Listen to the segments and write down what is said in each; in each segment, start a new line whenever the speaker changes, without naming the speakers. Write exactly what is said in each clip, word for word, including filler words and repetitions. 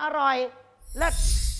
อร่อยเลิศ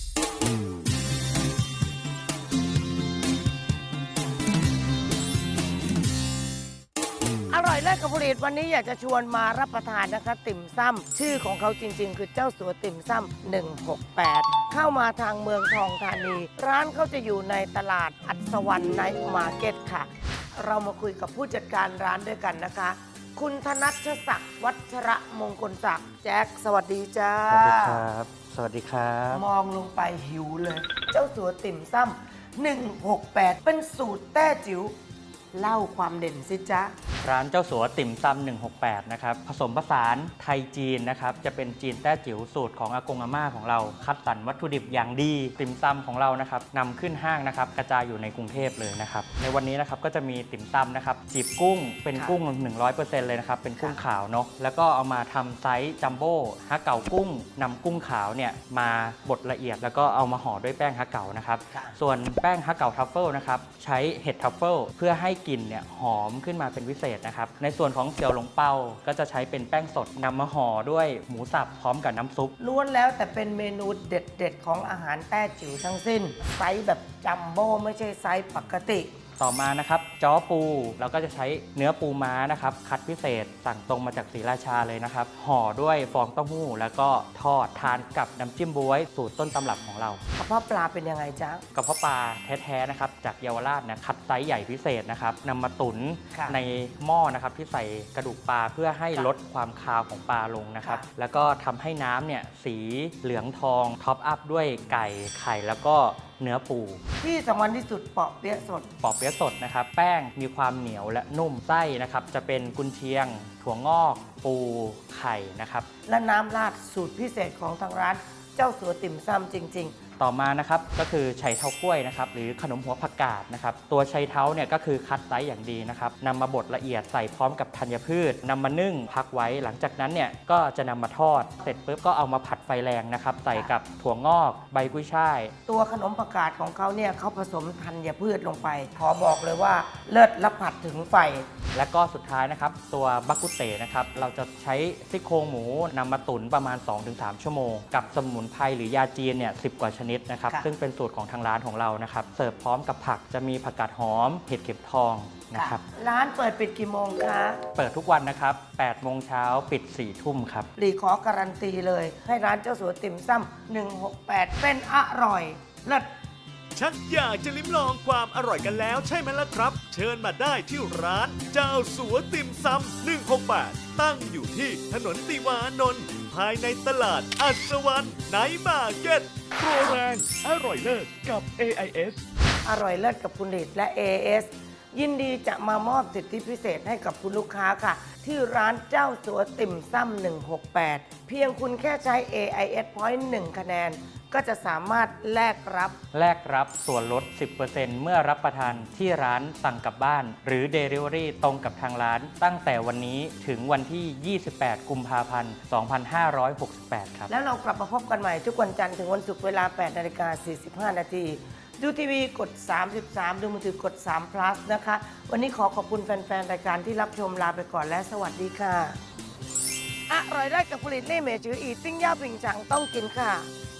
อร่อยเลิศกับผลิตวันนี้อยากจะชวนมารับประทานนะคะติ่มซ้ำชื่อของเขาจริงๆ คือเจ้าสัวติ่มซ้ำหนึ่งหกแปดเข้ามาทางเมืองทองธานี ร้านเขาจะอยู่ในตลาดอัศวรรณไนท์มาร์เก็ตค่ะ เรามาคุยกับผู้จัดการร้านด้วยกันนะคะ คุณธนัชศักดิ์วัชระมงคลศักดิ์แจ็คสวัสดีจ้า
สวัสดีครับ สวัสดีครับ
มองลงไปหิวเลย เจ้าสัวติ่มซ้ำหนึ่งหกแปดเป็นสูตรแต้จิ๋วเล่าความเด่นสิจ๊ะ
ร้านเจ้าสัวติ่มซำหนึ่งหกแปดนะครับผสมผสานไทยจีนนะครับจะเป็นจีนแต้จิ๋วสูตรของอากงอาม่าของเราคัดสรรวัตถุดิบอย่างดีติ่มซำของเรานะครับนำขึ้นห้างนะครับกระจายอยู่ในกรุงเทพเลยนะครับในวันนี้นะครับก็จะมีติ่มซำนะครับจีบกุ้งเป็นกุ้ง หนึ่งร้อยเปอร์เซ็นต์ เลยนะครับเป็นกุ้งขาวเนาะแล้วก็เอามาทำไซส์จัมโบ้ฮะเก๋ากุ้งนำกุ้งขาวเนี่ยมาบดละเอียดแล้วก็เอามาห่อด้วยแป้งฮะเก๋านะครับส่วนแป้งฮะเก๋าทัฟเฟิลนะครับใช้เห็ดทัฟเฟิลเพื่อให้กลิ่นเนี่ยหอมขึ้นมาเป็นพิเศษนะครับในส่วนของเสี่ยวหลงเปาก็จะใช้เป็นแป้งสดนำมาห่อด้วยหมูสับพร้อมกับน้ำซุป
ล้วนแล้วแต่เป็นเมนูเด็ดๆของอาหารแต้จิ๋วทั้งสิ้นไซส์แบบจัมโบ้ไม่ใช่ไซส์ปกติ
ต่อมานะครับจ้อปูเราก็จะใช้เนื้อปูม้านะครับคัดพิเศษสั่งตรงมาจากศรีราชาเลยนะครับห่อด้วยฟองเต้าหู้แล้วก็ทอดทานกับน้ำจิ้มบ๊วยสูตรต้นตำรับของเรา
กระเพาะปลาเป็นยังไงจ๊ะ
กระเพาะปลาแท้ๆนะครับจากเยาวราชนะคัดไซส์ใหญ่พิเศษนะครับนำมาตุ๋นในหม้อนะครับที่ใส่กระดูกปลาเพื่อให้ลดความคาวของปลาลงนะครับแล้วก็ทำให้น้ำเนี่ยสีเหลืองทองท็อปอัพด้วยไก่ไข่แล้วก็เนื้อปู
ที่สำคัญที่สุดเปาะเปี๊ยะสด
เปาะเปี๊ยะสดนะครับแป้งมีความเหนียวและนุ่มไส้นะครับจะเป็นกุนเชียงถั่วงอกปูไข่นะครับ
และน้ำราดสูตรพิเศษของทางร้านเจ้าสัวติ่มซ้ำจริงๆ
ต่อมานะครับก็คือไชเท้ากล้วยนะครับหรือขนมหัวผักกาดนะครับตัวไชเท้าเนี่ยก็คือคัดไซส์อย่างดีนะครับนำมาบดละเอียดใส่พร้อมกับธัญพืชนำมานึ่งพักไว้หลังจากนั้นเนี่ยก็จะนำมาทอดเสร็จปุ๊บก็เอามาผัดไฟแรงนะครับใส่กับถั่วงอกใบกุ้ยช่าย
ตัวขนมผักกาดของเขาเนี่ยเขาผสมธัญพืชลงไปขอบอกเลยว่าเลิศและผัดถึงไฟ
และก็สุดท้ายนะครับตัวบักกุเตนะครับเราจะใช้ซี่โครงหมูนำมาตุ๋นประมาณ สองถึงสาม ชั่วโมงกับสมุนไพรหรือยาจีนเนี่ยสิบกว่าชนิดนะครับซึ่งเป็นสูตรของทางร้านของเรานะครับเสิร์ฟพร้อมกับผักจะมีผักกาดหอมเห็ดเข็มทองนะครับ
ร้านเปิดปิดกี่โมงคะ
เปิดทุกวันนะครับแปดโมงเช้าปิดสี่ทุ่มครับ
หลีขอการันตีเลยให้ร้านเจ้าสัวติ่มซ้ำหนึ่งหกแปดเป็นอร่อยเลิศ
ชักอยากจะลิ้มลองความอร่อยกันแล้วใช่ไหมล่ะครับเชิญมาได้ที่ร้านเจ้าสัวติ่มซำหนึ่งหกแปดตั้งอยู่ที่ถนนติวานนท์ภายในตลาดอัศวรรณไนท์มาร์เก็ตโปรแรงอร่อยเลิศกับ เอ ไอ เอส
อร่อยเลิศกับคุณฤทธิ์และ เอ เอส ยินดีจะมามอบสิทธิพิเศษให้กับคุณลูกค้าค่ะที่ร้านเจ้าสัวติ่มซ้ำหนึ่งหกแปดเพียงคุณแค่ใช้ เอ ไอ เอส Point หนึ่งคะแนนก็จะสามารถแลกรับ
แลกรับส่วนลด สิบเปอร์เซ็นต์ เมื่อรับประทานที่ร้านสั่งกลับบ้านหรือ Delivery ตรงกับทางร้านตั้งแต่วันนี้ถึงวันที่ ยี่สิบแปด กุมภาพันธ์ สองพันห้าร้อยหกสิบแปด ครับ
แล้วเรากลับมาพบกันใหม่ทุกวันจันทร์ถึงวันศุกร์เวลา แปดนาฬิกาสี่สิบห้า นาทีดูทีวีกดสามสิบสามดูมือถือกดสาม plus นะคะวันนี้ขอขอบคุณแฟนๆรายการที่รับชมลาไปก่อนและสวัสดีค่ะอร่อยได้กับผลิตเล่เมจืออีติ้งย่าผิงฉังต้องกินค่ะ